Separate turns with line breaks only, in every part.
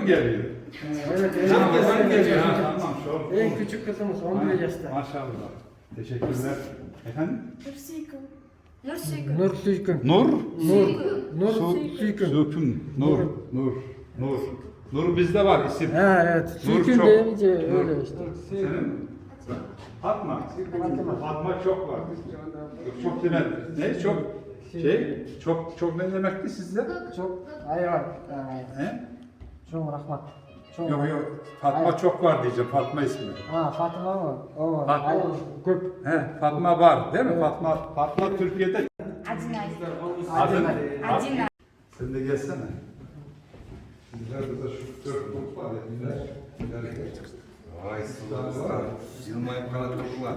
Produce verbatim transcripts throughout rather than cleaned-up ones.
geliyor.
Evet,
Tamam,
en
geliyor. Ha, tamam, şu.
En küçük kızımız on bir yaşta.
Maşallah. Teşekkürler. Efendim?
Nursikum. Nursikum.
Nur Suykun.
Nur.
Nur. Nur
Su,
Suykun.
Sükun. Nur. Nur. Nur. Nur bizde var isim.
Ha evet.
Nur
Suykun
çok.
deyince
Nur.
öyle işte.
Senin? Fatma.
Fatma.
Fatma çok var. Çok demek. Ne? Çok şey. Çok çok ne demekti sizde?
Çok hayır.
He?
Çok rahmat. Çok
Yok yok. Fatma çok var diyeceğim. Fatma ismi.
Ha Fatıma mı? O var.
Fatma.
Hayır. Köp.
He, Fatma var değil mi? Fatma Fatma Türkiye'de.
Acınay.
Adın.
Acınay.
Sen de gelsene. Bizlerde de şu dört grup var ya. Birer. Birer.
Vay sular. Yılmayıp kanatlıklar.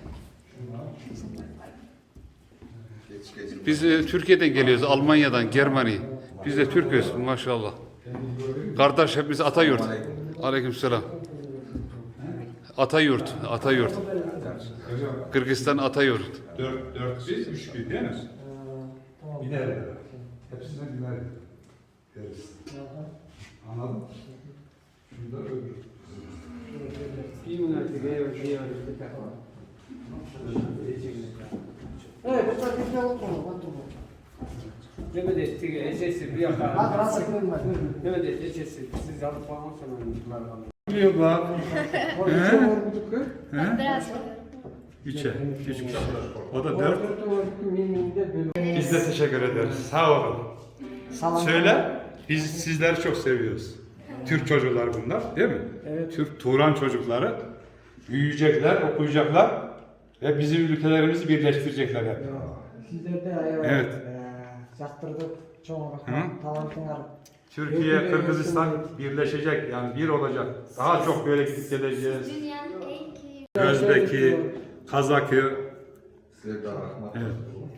Geç geç.
Biz e, Türkiye'den geliyoruz, Almanya'dan, Germany. Biz de Türk'üz maşallah. Kardeş hepimiz Atayurt. Aleykümselam. Atayurt, Atayurt. Kırgızistan Atayurt.
Dört, dört biz, üç bir değil mi? Biner. Hepsine biner. Deriz. Anladın mı? Şurada öbür.
Evet, bu da bir şey oldu.
Mehmet Ege ecesi bir yakar.
Bak nasıl kırılma.
Mehmet ecesi siz alıp falan sanırım.
Biliyor bak.
O da çok vurguduk ki.
Biraz.
Üçe. Üç kişi. O da dört.
Biz
Biz de teşekkür ederiz. Sağ olun. Söyle. Biz sizleri çok seviyoruz. Türk çocuklar bunlar değil mi?
Evet.
Türk Turan çocukları. Büyüyecekler, okuyacaklar ve bizim ülkelerimizi birleştirecekler hep.
Sizler de
Evet.
Yaktırdık. Çok
Hı?
rahmat. Talantın var.
Türkiye, Kırgızistan birleşecek yani bir olacak. Daha çok böyle gidip geleceğiz.
Dünyanın en iyi.
Özbeki, Kazakı.
Sevda rahmat.
Evet.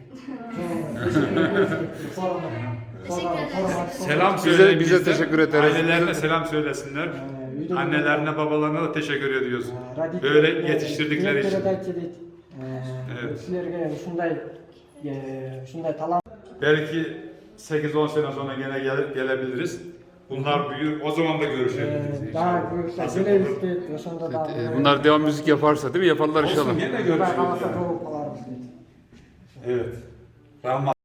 Teşekkür ederiz.
Selam
Bize-
söyleyin
bize
bizden.
teşekkür ederiz.
Ailelerine selam söylesinler. Annelerine, babalarına da teşekkür ediyoruz.
Radikal-
Böyle yetiştirdikleri için.
Evet.
Evet.
Sizlerge şunday e, şunday talant
Belki sekiz on sene sonra gene gel- gelebiliriz. Bunlar büyür, o zaman da görüşebiliriz
e, daha
inşallah.
görüşler.
Nasıl
Güle
olur?
istedik. Yaşında da.
E, Bunlar devam müzik yaparsa değil mi? Yaparlar inşallah.
Olsun, yine görüşürüz.
Kalasa
yani.
çok olarız.
Evet. Rahmat.